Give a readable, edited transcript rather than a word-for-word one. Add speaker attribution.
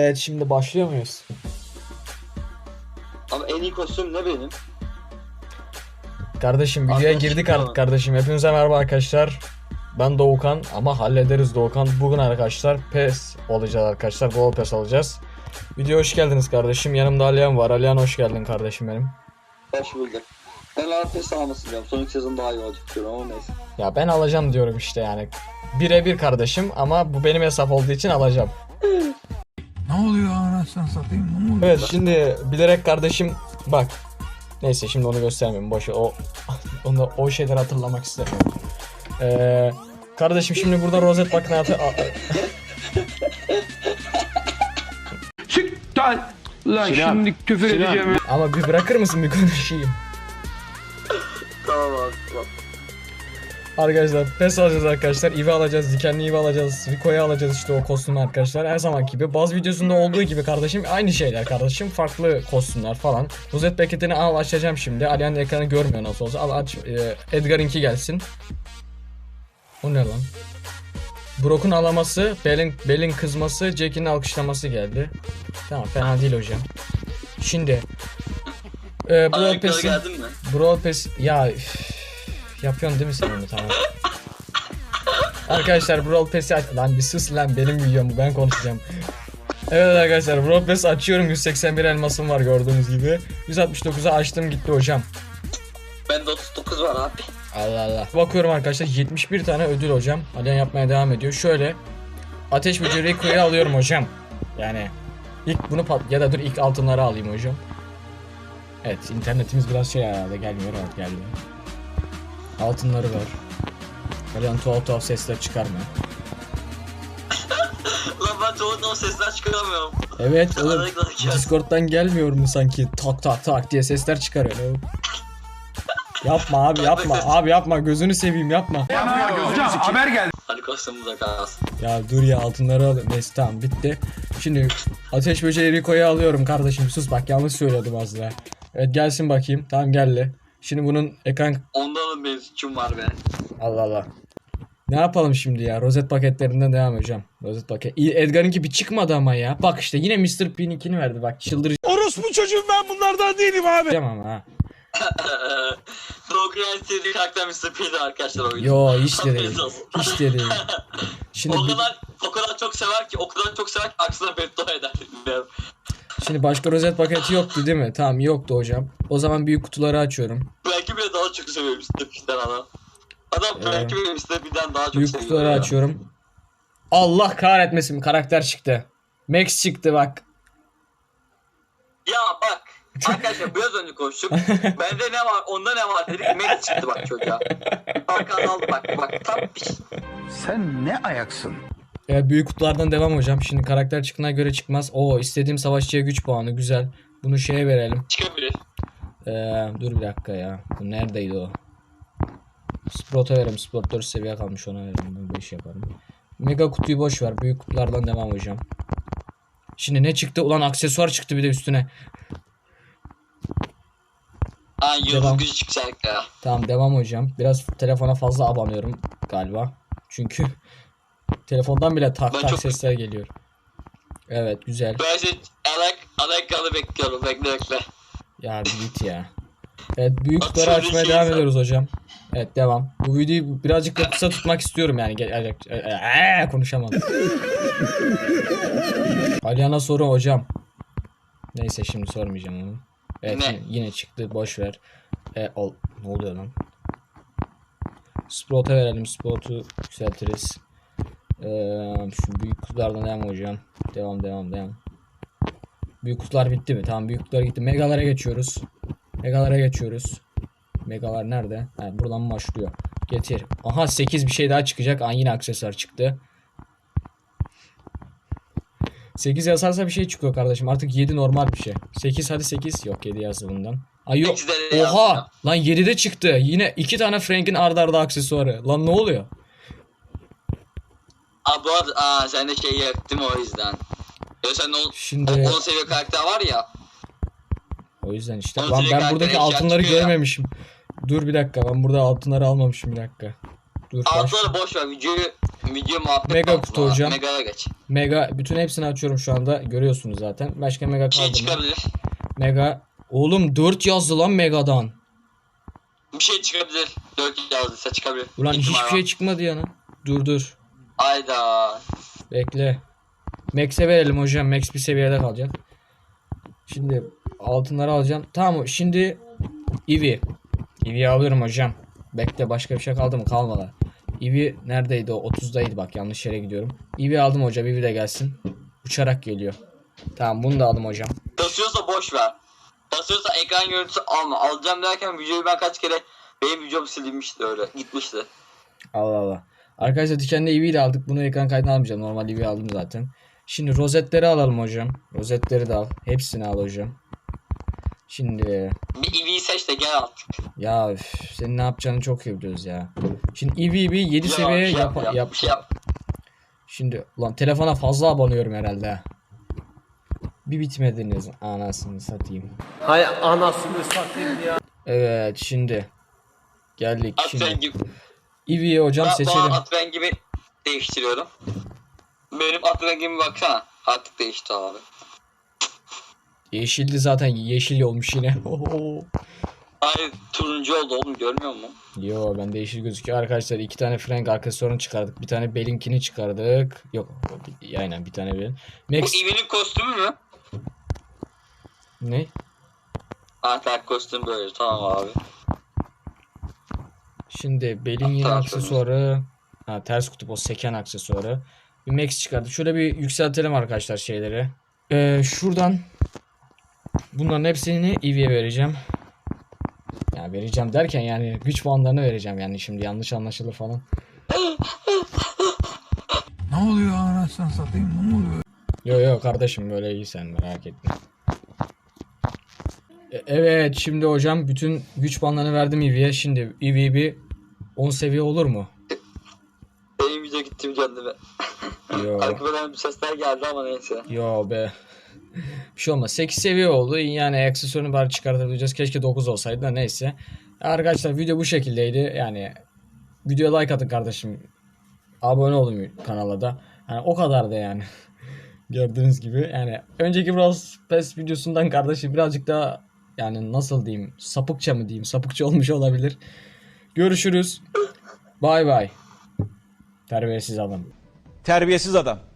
Speaker 1: Evet, şimdi başlıyor muyuz?
Speaker 2: Ama en iyi kostüm ne benim?
Speaker 1: Kardeşim videoya
Speaker 2: Arkadaşım
Speaker 1: girdik
Speaker 2: ya.
Speaker 1: artık kardeşim. Hepinize merhaba arkadaşlar. Ben Doğukan ama hallederiz Doğukan. Bugün arkadaşlar PES olacağız arkadaşlar. Bol PES alacağız. Videoya hoş geldiniz kardeşim. Yanımda Alihan var. Alihan hoş geldin kardeşim benim.
Speaker 2: Hoş bulduk. Ben Arpes almasın diyorum. Sonraki sezon daha iyi olacak diyorum ama neyse.
Speaker 1: Ya ben alacağım diyorum işte yani. Birebir kardeşim ama bu benim hesap olduğu için alacağım.
Speaker 3: Ne oluyor anasını satayım? Ne oluyor?
Speaker 1: Evet, şimdi bilerek kardeşim bak. Neyse, şimdi onu göstermeyeyim. Boş ver. O şeyleri hatırlamak istemiyorum. Kardeşim şimdi burada rozet makinatı
Speaker 3: Siktir lan şimdi küfür edeceğim.
Speaker 1: ama bir bırakır mısın bir konuşayım?
Speaker 2: Tamam abi tamam.
Speaker 1: Arkadaşlar PES alacağız arkadaşlar. Eevee alacağız. Dikenli Eevee alacağız. Rico'yu alacağız işte, o kostümü arkadaşlar. Her zaman gibi. Baz videosunda olduğu gibi kardeşim. Aynı şeyler kardeşim. Farklı kostümler falan. Rozet paketini al, açacağım şimdi. Alihan ekranı görmüyor nasıl olsa. Al aç. Edgar'ınki gelsin. O ne lan? Brock'un alaması, Bell'in kızması, Jack'in alkışlaması geldi. Tamam, fena değil hocam. Şimdi Brawl
Speaker 2: Ayakkabı
Speaker 1: Pass'in
Speaker 2: geldin mi?
Speaker 1: Brawl Pass ya yapıyorsun değil mi sen onu? Tamam. Arkadaşlar Brawl Pass'i aç lan, bir sus lan, benim videom bu, ben konuşacağım. Evet arkadaşlar, Brawl Pass açıyorum. 181 elmasım var gördüğünüz gibi. 169'a açtım gitti hocam.
Speaker 2: Bende 39 var abi.
Speaker 1: Allah Allah. Bakıyorum arkadaşlar, 71 tane ödül hocam. Alihan yapmaya devam ediyor. Şöyle ateş böceği Rico'yu alıyorum hocam. Yani ilk bunu ya da dur ilk altınları alayım hocam. Evet, internetimiz biraz şey herhalde, gelmiyor, evet gelmiyor. Altınları var. Alihan tuhaf sesler çıkarma.
Speaker 2: Lan ben tuvaleten o sesler çıkaramıyorum.
Speaker 1: Evet oğlum,
Speaker 2: Arada
Speaker 1: Discord'dan gelmiyor mu sanki tak tak tak diye sesler çıkarıyor. Yapma abi, yapma abi, yapma, gözünü seveyim, yapma.
Speaker 3: Hocam haber geldi.
Speaker 2: Hadi kostümümüze kalsın.
Speaker 1: Ya dur ya, altınları al. Neyse tamam, bitti. Şimdi ateş böceği Rico'yu alıyorum kardeşim. Sus bak, yanlış söyledim az daha. Evet, gelsin bakayım. Tamam, geldi. Şimdi bunun ekran...
Speaker 2: Ondan benim suçum var be.
Speaker 1: Allah Allah. Ne yapalım şimdi ya? Rozet paketlerinden devam hocam. Rozet paket. Edgar'ınki bir çıkmadı ama ya. Bak işte yine Mr. P'ninkini verdi. Bak çıldıracağım
Speaker 3: Orospu çocuğum, ben bunlardan değilim abi.
Speaker 1: ama ha.
Speaker 2: Dogran sevdiği karakter Mr. P'di arkadaşlar oyunu.
Speaker 1: Yo, hiç de değil.
Speaker 2: Haberiniz olsun.
Speaker 1: Hiç de değil. Şimdi
Speaker 2: o kadar çok sever ki, aksine beddua eder.
Speaker 1: şimdi başka rozet paketi yoktu değil mi? Tamam, yoktu hocam. O zaman büyük kutuları açıyorum.
Speaker 2: Belki bile daha çok seviyor Mr. P'den adam. Adam belki bile Mr. P'den daha çok
Speaker 1: Büyük
Speaker 2: seviyor.
Speaker 1: kutuları
Speaker 2: ya.
Speaker 1: açıyorum. Allah kahretmesin, karakter çıktı. Max çıktı bak.
Speaker 2: Ya bak. Arkadaşlar biraz önce konuştuk. Bende ne var, onda ne var dedik. Max çıktı bak çocuğa. Hakan aldı bak. Tam bir şey.
Speaker 3: Sen ne ayaksın?
Speaker 1: Evet, büyük kutulardan devam hocam. Şimdi karakter çıktığına göre çıkmaz. Oo, istediğim savaşçıya güç puanı, güzel. Bunu şeye verelim.
Speaker 2: Çıkabilir.
Speaker 1: Dur bir dakika ya. Bu neredeydi o? Sprout'a verelim. Sprout 4 seviye kalmış, ona verelim. Ben 5 yaparım. Mega kutuyu boş ver. Büyük kutulardan devam hocam. Şimdi ne çıktı? Ulan aksesuar çıktı bir de üstüne.
Speaker 2: Yıldız
Speaker 1: Devam.
Speaker 2: gücü çıkacak ya.
Speaker 1: Tamam, devam hocam. Biraz telefona fazla abanıyorum galiba. Çünkü telefondan bile tak
Speaker 2: Ben
Speaker 1: tak
Speaker 2: çok-
Speaker 1: sesler geliyor. Evet, güzel.
Speaker 2: Ben işte Alakalı bekliyorum. Bekle.
Speaker 1: Ya bir git ya. Evet, büyük
Speaker 2: Bak,
Speaker 1: kutuları
Speaker 2: şöyle
Speaker 1: açmaya
Speaker 2: şey
Speaker 1: devam
Speaker 2: insan-
Speaker 1: ediyoruz hocam. Evet, devam. Bu videoyu birazcık da kısa tutmak istiyorum yani. Konuşamadım. Alihan'a soru hocam. Neyse, şimdi sormayacağım onu. Evet,
Speaker 2: Ne?
Speaker 1: yine çıktı, boş ver. Ne oluyor lan? Sprout'a verelim. Sprout'u yükseltiriz. Şu büyük kutulardan devam hocam. Devam. Büyük kutular bitti mi? Tamam, büyük kutular gitti. Megalara geçiyoruz. Megalar nerede? Ha, buradan başlıyor. Getir. Aha, 8 bir şey daha çıkacak. Yine aksesuar çıktı. 8 yazarsa bir şey çıkıyor kardeşim. Artık 7 normal bir şey. 8, hadi 8. Yok, 7 yazdı bundan. Ay yok.
Speaker 2: 8'de de
Speaker 1: Oha!
Speaker 2: yazdı.
Speaker 1: Lan 7'de çıktı. Yine 2 tane Frank'in arda arda aksesuarı. Lan ne oluyor?
Speaker 2: Bu arada sen de şey yaptım o yüzden. Ya sen
Speaker 1: Şimdi
Speaker 2: 10 seviye karakter var ya.
Speaker 1: o yüzden işte.
Speaker 2: Onun
Speaker 1: Lan
Speaker 2: direkt
Speaker 1: ben buradaki
Speaker 2: karakteri
Speaker 1: altınları
Speaker 2: çıkıyor ya.
Speaker 1: görmemişim. Dur bir dakika, ben burada altınları almamışım, bir dakika. Dur.
Speaker 2: Altları boş ver, videoyu Video muhabbet
Speaker 1: Mega
Speaker 2: kalsın
Speaker 1: kutu
Speaker 2: bana.
Speaker 1: hocam.
Speaker 2: Mega'ya geç.
Speaker 1: Mega bütün hepsini açıyorum şu anda. Görüyorsunuz zaten. Başka mega
Speaker 2: Bir şey
Speaker 1: kaldı mı?
Speaker 2: çıkabilir.
Speaker 1: Mega. Oğlum 4 yazdı lan Mega'dan.
Speaker 2: Bir şey çıkabilir. 4 yazdıysa çıkabilir.
Speaker 1: Ulan
Speaker 2: İhtimal
Speaker 1: hiçbir
Speaker 2: var.
Speaker 1: şey çıkmadı yana. Dur.
Speaker 2: Ayda.
Speaker 1: Bekle. Max'e verelim hocam. Max bir seviyede kalacak. Şimdi altınları alacağım. Tamam şimdi Eevee. Eevee'yi alıyorum hocam. Bekle başka bir şey kaldı mı? Kalmadı. Eevee neredeydi o? 30'daydı bak yanlış yere gidiyorum. Eevee aldım hocam. Eevee de gelsin. Uçarak geliyor. Tamam bunu da aldım hocam.
Speaker 2: Basıyorsa boş ver. Basıyorsa ekran görüntüsü alma. Alacağım derken videoyu ben kaç kere benim videom silinmişti öyle. Gitmişti.
Speaker 1: Allah Allah. Arkadaşlar dikenli Eevee'yi de aldık. Bunu ekran kaydına almayacağım. Normal Eevee'yi aldım zaten. Şimdi rozetleri alalım hocam. Rozetleri de al. Hepsini al hocam. Şimdi
Speaker 2: Bir EV'yi seç de gel artık.
Speaker 1: ya üf, senin ne yapacağını çok iyi biliyoruz ya. Şimdi Eevee bir 7
Speaker 2: Ya,
Speaker 1: seviye
Speaker 2: bir şey
Speaker 1: yap.
Speaker 2: Bir şey yap.
Speaker 1: Şimdi ulan telefona fazla abanıyorum herhalde. Bir bitmediniz anasını satayım.
Speaker 4: Hay anasını satayım ya.
Speaker 1: Evet şimdi geldik
Speaker 2: At
Speaker 1: şimdi.
Speaker 2: rengi.
Speaker 1: Eevee'yi hocam
Speaker 2: Ben
Speaker 1: seçelim.
Speaker 2: at rengimi değiştiriyorum. Benim at rengimi baksana. Artık değişti abi.
Speaker 1: Yeşildi zaten yeşil olmuş yine.
Speaker 2: Hayır turuncu oldu oğlum görmüyor musun?
Speaker 1: Yo ben yeşil gözüküyor arkadaşlar. 2 tane Frank aksesuarını çıkardık. Bir tane Belink'ini çıkardık. Yok aynen bir tane Belin.
Speaker 2: Bu
Speaker 1: Max
Speaker 2: EV'nin kostümü mü?
Speaker 1: ne?
Speaker 2: Artık kostüm böyle tamam abi.
Speaker 1: Şimdi Belin yeni
Speaker 2: Tamam,
Speaker 1: aksesuarı. Ha ters kutup o seken aksesuarı. Bir Max çıkardık. Şöyle bir yükseltelim arkadaşlar şeyleri. Şuradan bunların hepsini Eevee'ye vereceğim. Ya vereceğim derken yani güç puanlarını vereceğim yani şimdi yanlış anlaşılır falan.
Speaker 3: Ne oluyor anasını satayım? Ne oluyor?
Speaker 1: Yo kardeşim böyle iyi sen merak etme. Evet şimdi hocam bütün güç puanlarını verdim Eevee'ye. Şimdi Eevee bir 10 seviye olur mu?
Speaker 2: Benim video gittim kendime.
Speaker 1: Yo.
Speaker 2: Arkadan bir sesler geldi ama neyse.
Speaker 1: Yo be. Bir şey olmaz. 8 seviye oldu. Yani aksesuarını bari çıkartabileceğiz. Keşke 9 olsaydı da neyse. Arkadaşlar video bu şekildeydi. Yani videoya like atın kardeşim. Abone olun kanala da. Yani o kadar da yani. Gördüğünüz gibi yani önceki Brawl Pass videosundan kardeşim birazcık daha yani nasıl diyeyim sapıkça mı diyeyim sapıkça olmuş olabilir. Görüşürüz. Bay bay. Terbiyesiz adam.
Speaker 5: Terbiyesiz adam.